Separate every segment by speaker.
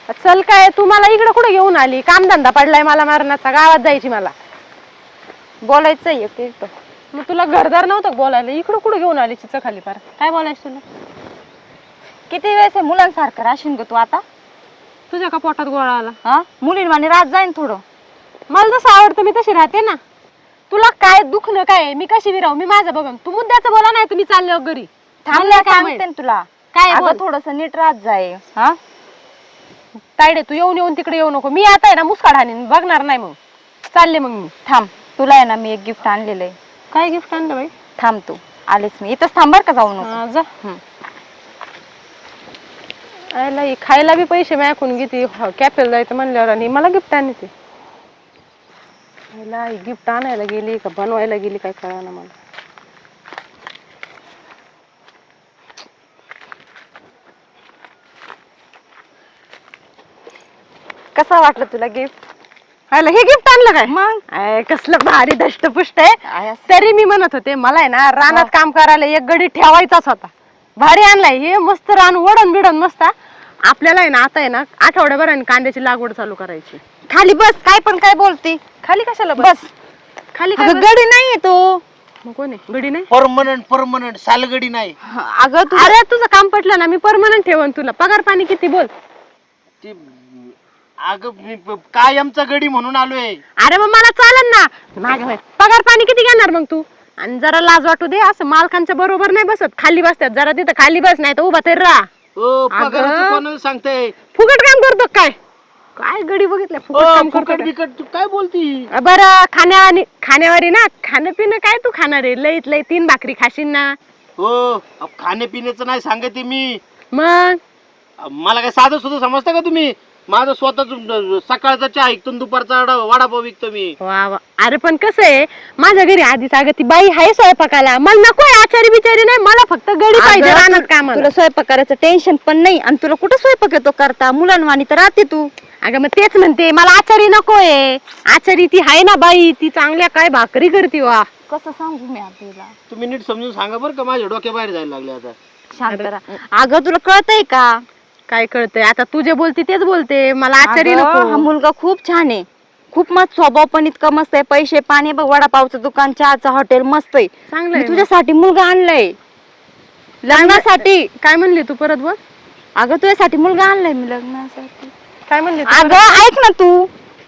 Speaker 1: चल काय तू मला इकडे कुठे घेऊन आली? कामधंदा पडलाय मला मारण्याचा, गावात जायची मला.
Speaker 2: बोलायचं एक
Speaker 1: मग तुला घरदार नव्हतं बोलायला, इकडे कुठे घेऊन आली चिचा खाली पार? काय बोलायचं तुला?
Speaker 2: किती वेळेस आहे मुलांसारखं राशीन ग तू आता?
Speaker 1: तुझ्या का पोटात गोळा आला?
Speaker 2: हा मुलींवाणी रात जाईन थोडं.
Speaker 1: मला जसं आवडतं मी तशी राहते ना. तुला काय दुखणं काय? मी कशी विराव? मी माझं बघन. तू मुद्द्याचं बोला नाही, तुम्ही चालले घरी.
Speaker 2: थांबल्या सांगते ना तुला.
Speaker 1: काय
Speaker 2: अगं थोडस नीट रात जाय. हा
Speaker 1: तायडे तू येऊन तिकडे येऊ नको. मी आता आहे ना मुस्काड हाणीन, बघणार नाही. मग चालले मग मी.
Speaker 2: थांब, तुला आहे ना मी एक गिफ्ट आणलेलं आहे.
Speaker 1: काय गिफ्ट आणलं बाई?
Speaker 2: थांब तू आलेच मी इथंच थांबर का जाऊ नको.
Speaker 1: जा. आयला खायला बी पैसे मागून घेते, कॅफेला जायचं म्हणल्यावर, आणि मला गिफ्ट आणते. गिफ्ट आणायला गेली का बनवायला गेली काय कळना मला.
Speaker 2: कसं वाटलं तुला गिफ्ट?
Speaker 1: आयला हे गिफ्ट आणलं काय?
Speaker 2: मग
Speaker 1: कसलं भारी दष्टपुष्ट आहे. तरी मी म्हणत होते मला आहे ना रानात काम करायला एक गडी ठेवायचाच होता. भारी आणलाय हे, मस्त रान वडण बिडण मस्त. आपल्याला आहे ना आता आहे ना आठवड्याभराने कांद्याची लागवड चालू करायची.
Speaker 2: खाली बस, काय पण काय बोलती?
Speaker 1: खाली कशाला
Speaker 2: बस.
Speaker 1: खाली
Speaker 2: गडी नाहीये तो.
Speaker 1: मग कोण आहे? गडी नाही?
Speaker 3: परमनंट सालगडी नाही.
Speaker 2: अगं तू
Speaker 1: अरे तुझं काम पटलं ना, मी परमनंट ठेवन तुला. पगार पाणी किती बोल?
Speaker 3: अगं मी कायमचा गडी म्हणून आलोय.
Speaker 1: अरे मग मला चालेल ना. मागे पगार पाणी किती घेणार मग तू? आणि जरा लाज वाटू दे, असं मालकांच्या बरोबर नाही बसत. खाली बसतात, जरा तिथं खाली बस, नाही तर उभा तरी राहा.
Speaker 3: पगाराचं कोणाला सांगताय?
Speaker 1: फुकट काम करतो काय? काय गडी बघितलं फुकट काम करतो
Speaker 3: फुकट बिकट तू काय बोलती?
Speaker 1: बरं खाण्यावारी ना, खाणं पिणं काय तू खाणार आहे? लईत लई 3 भाकरी खाशील ना.
Speaker 3: हो खाण्यापिण्याचं नाही सांगते मी.
Speaker 1: मग
Speaker 3: मला काय साधं सुद्धा समजता का तुम्ही? माझं स्वतःच सकाळचा चहा ऐकतो, दुपारचा वडापाव विकतो मी.
Speaker 1: वा वा. अरे पण कसं आहे, माझ्या घरी आधीच अगं ती बाई आहे स्वयंपाकाला. मला नकोय आचारी बिचारी नाही, मला फक्त गडी पाहिजे रानात कामाला.
Speaker 2: तुला स्वयंपाक करायचं टेन्शन पण नाही, आणि तुला कुठं स्वयंपाक येतो करता? मुलांवाणी तर राहते तू.
Speaker 1: अगं मग तेच म्हणते, मला आचारी नकोय. आचारी ती आहे ना बाई, ती चांगल्या काय भाकरी करते. वा
Speaker 2: कसं सांगू मी आपल्याला?
Speaker 3: तुम्ही नीट समजून सांगा बरं का, माझ्या डोक्या बाहेर जायला लागले आता.
Speaker 2: शांत राहा. अगं तुला कळतंय का?
Speaker 1: काय कळतंय आता? तू जे बोलते तेच बोलते. मला आचारी
Speaker 2: हा
Speaker 1: नको.
Speaker 2: मुलगा खूप छान आहे, खूप मस्त स्वभाव पण इतका मस्त आहे. पैसे पाणी बघ, वडापावचं दुकान, चहाचं हॉटेल मस्त आहे.
Speaker 1: चांगलंय.
Speaker 2: मी तुझ्यासाठी मुलगा आणलाय लग्नासाठी.
Speaker 1: काय म्हणली तू? परत बोल.
Speaker 2: अगं तुझ्यासाठी मुलगा आणलाय मी लग्नासाठी.
Speaker 1: काय म्हणली?
Speaker 2: अगं ऐक ना तू,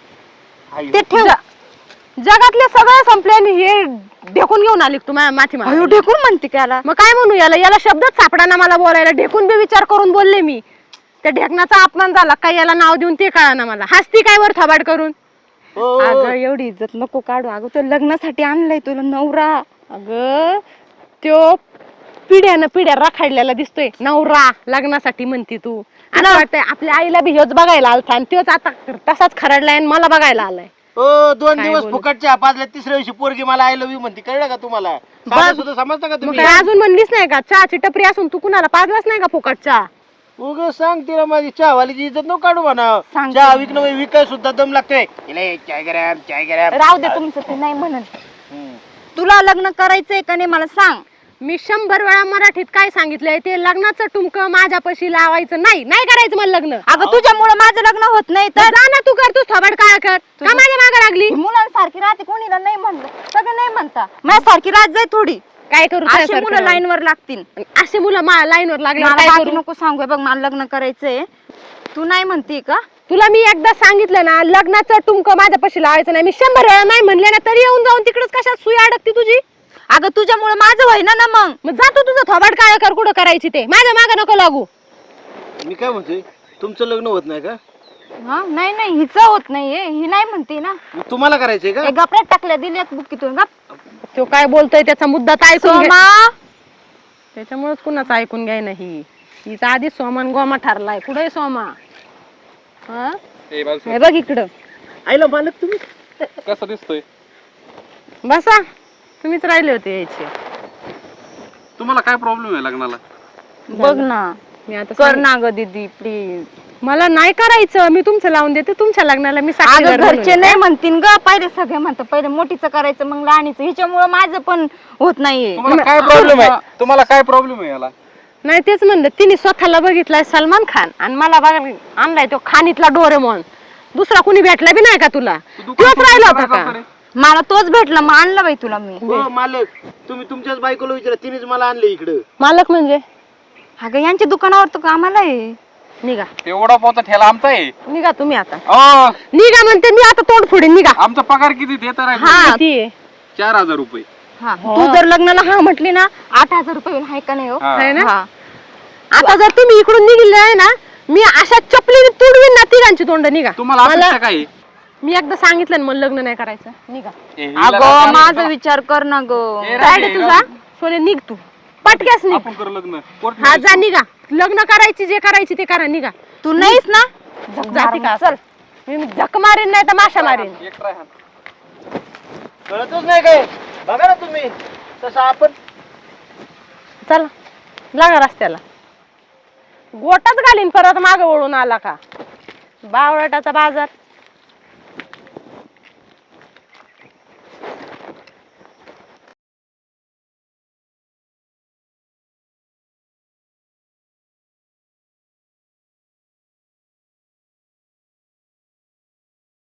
Speaker 2: ते ठेव.
Speaker 1: जगातले सगळे संपले आणि हे ढेकून घेऊन आली तू माथी
Speaker 2: अयो ढेकून म्हणते त्याला.
Speaker 1: मग काय म्हणू याला शब्दच सापडा ना मला बोलायला. ढेकून बी विचार करून बोलले मी. त्या ढेकणाचा अपमान झाला काय याला नाव देऊन ते कळा ना मला. हसती काय वर थबाड करून?
Speaker 2: अगं एवढी इज्जत नको काढू. अगं तो लग्नासाठी आणलाय तुला नवरा.
Speaker 1: अगं त्यो पिढ्या रखाडलेला दिसतोय. नवरा लग्नासाठी म्हणती तू? असं वाटतंय आपल्या आईला बी हेच बघायला आलता, आणि त्योच आता तसाच खरडलाय आणि मला बघायला आलाय.
Speaker 3: 2 दिवस फुकटच्या पाजल्या, तिसऱ्या दिवशी पोरगी मला आय लव्ह यू म्हणते. कळलं का तुम्हाला? साधं सुद्धा समजता का
Speaker 1: मग
Speaker 3: तुम्ही?
Speaker 1: काय अजून म्हणलीच नाही का? चहाची टपरी असून तू कुणाला पाजलाच नाही का फुकट चहा?
Speaker 3: उग सांग तिला माझी चहावालीची इज्जत नको काढू म्हणा.
Speaker 2: सांगते.
Speaker 3: चहा विकणं विकाय सुद्धा दम लागतोय. चाय गरम.
Speaker 2: राहू दे तुमचं, ते नाही म्हणत. तुला लग्न करायचंय का नाही मला सांग.
Speaker 1: मी 100 वेळा मराठीत काय सांगितलंय ते, लग्नाचं टुमकं माझ्यापाशी लावायचं नाही. नाही करायचं मला लग्न.
Speaker 2: अगं तुझ्यामुळे माझं लग्न होत नाही तर
Speaker 1: जा ना तू, कर तू थोबाड काय कर का माझ्या मागे लागली?
Speaker 2: मुलांसारखी राहते, कोणीला नाही म्हणलं, सगळं नाही म्हणता. माझ्यासारखी राहत जाय थोडी.
Speaker 1: काय करू?
Speaker 2: अशी मुलं लाईन वर लागतील.
Speaker 1: असे मुलं लाईन वर लागले
Speaker 2: मला
Speaker 1: काय
Speaker 2: बाकी
Speaker 1: करू?
Speaker 2: नको सांगू. बघ मला लग्न करायचंय, तू नाही म्हणते का?
Speaker 1: तुला मी एकदा सांगितलं ना लग्नाचं टुमकं माझ्यापाशी लावायचं नाही. मी 100 वेळा नाही म्हणले ना, तरी येऊन जाऊन तिकडच कशात सुई अडकती तुझी?
Speaker 2: अगं तुझ्यामुळे माझं व्हायना ना. मग
Speaker 1: जा तू तुझं थोबाड काय कर, कुठं करायची ते. माझ्या मागे नको लागू.
Speaker 3: मी काय म्हणतोय, तुमचं लग्न होत नाही का?
Speaker 2: हा नाही हिचं होत नाहीये, ही नाही म्हणते ना.
Speaker 3: मग तुम्हाला करायचंय का?
Speaker 2: गपऱ्यात टाकल्या दिल्यात बुकीतून. गप.
Speaker 1: तो काय बोलतोय त्याचा मुद्दा तर ऐकून घे.
Speaker 2: सोमा
Speaker 1: त्याच्यामुळेच कुणाचं ऐकून घ्याय नाही. हिचा आधी सोमान गोमा ठरलाय. कुठे सोमा?
Speaker 2: हे बघ इकडं.
Speaker 3: आईला मालक तुम्ही
Speaker 4: कसा दिसतोय?
Speaker 1: बसा, तुम्हीच राहिले होते यायचे.
Speaker 4: तुम्हाला काय प्रॉब्लेम आहे लग्नाला?
Speaker 2: बघ ना,
Speaker 1: मी आता
Speaker 2: कर ना ग दीदी प्लीज.
Speaker 1: मला नाही करायचं. मी तुमचं लावून देते तुमच्या लग्नाला. मी साक्षीदार
Speaker 2: घरचे
Speaker 1: बनवते.
Speaker 2: नाही म्हणतील ग. पहिले सगळे म्हणतात पहिले मोठीचं करायचं मग लहानीचं. हिच्यामुळे माझं पण होत नाहीये.
Speaker 4: तुम्हाला काय प्रॉब्लेम आहे? तुम्हाला काय प्रॉब्लेम आहे याला?
Speaker 1: नाही तेच म्हणलं, तिने स्वतःला बघितलाय सलमान खान आणि मला बघा आणलाय तो खाणीतला डोरेमॉन. दुसरा कुणी भेटला बी नाही का तुला? तोच राहिला होता का?
Speaker 2: मला तोच भेटला, मग आणला बाई तुला मी.
Speaker 3: हो मालक, तुम्ही तुमच्याच बायकोला विचारा, तिनेच मला आणले इकडं.
Speaker 1: मालक म्हणजे?
Speaker 2: अगं यांच्या दुकानावर तो कामाला आहे.
Speaker 1: निघा
Speaker 4: ते वडापावचा ठेला आमचा आहे.
Speaker 1: निघा तुम्ही आता.
Speaker 4: अहो,
Speaker 1: निघा म्हणते मी आता तोंड फोडीन. निघा.
Speaker 4: आमचा पगार किती ते तर आहे.
Speaker 2: हा.
Speaker 1: किती आहे?
Speaker 4: 4000 रुपये.
Speaker 2: हा, तू जर लग्नाला हा म्हटली ना 8000 रुपये होईल, हाय का नाही हो?
Speaker 4: हा.
Speaker 1: आहे ना?
Speaker 2: हा.
Speaker 1: आता जर तुम्ही इकडून निघले आहे ना, मी अशा चपलीने तुडवीन ना तिघांची तोंड. निघा.
Speaker 4: तुम्हाला अपेक्षा काय आहे?
Speaker 1: मी एकदा सांगितलं ना, मला लग्न नाही करायचं. निघा.
Speaker 4: ए, हिला
Speaker 2: अगं
Speaker 4: राग
Speaker 2: माझा
Speaker 4: आला.
Speaker 2: विचार कर ना ग.
Speaker 4: ए, राग
Speaker 1: काय
Speaker 4: आहे,
Speaker 1: तुझा?
Speaker 4: राग.
Speaker 1: सोने निघ तू. पटक्यास निघ.
Speaker 4: आपण करू लग्न. कोर्ट
Speaker 1: हा जा निघा. लग्न करायची जे करायची ते करा. निघा.
Speaker 2: तू नाहीस ना?
Speaker 1: जाती का? चल. मी झक मारीन नाही तर माशा मारीन.
Speaker 4: एक try हाण.
Speaker 3: कळतच नाही काय? बघा ना तुम्ही तसं आपण.
Speaker 1: चला लागा रस्त्याला. गोटाच घालीन परत मागं वळून आला का. बावळटाचा बाजार.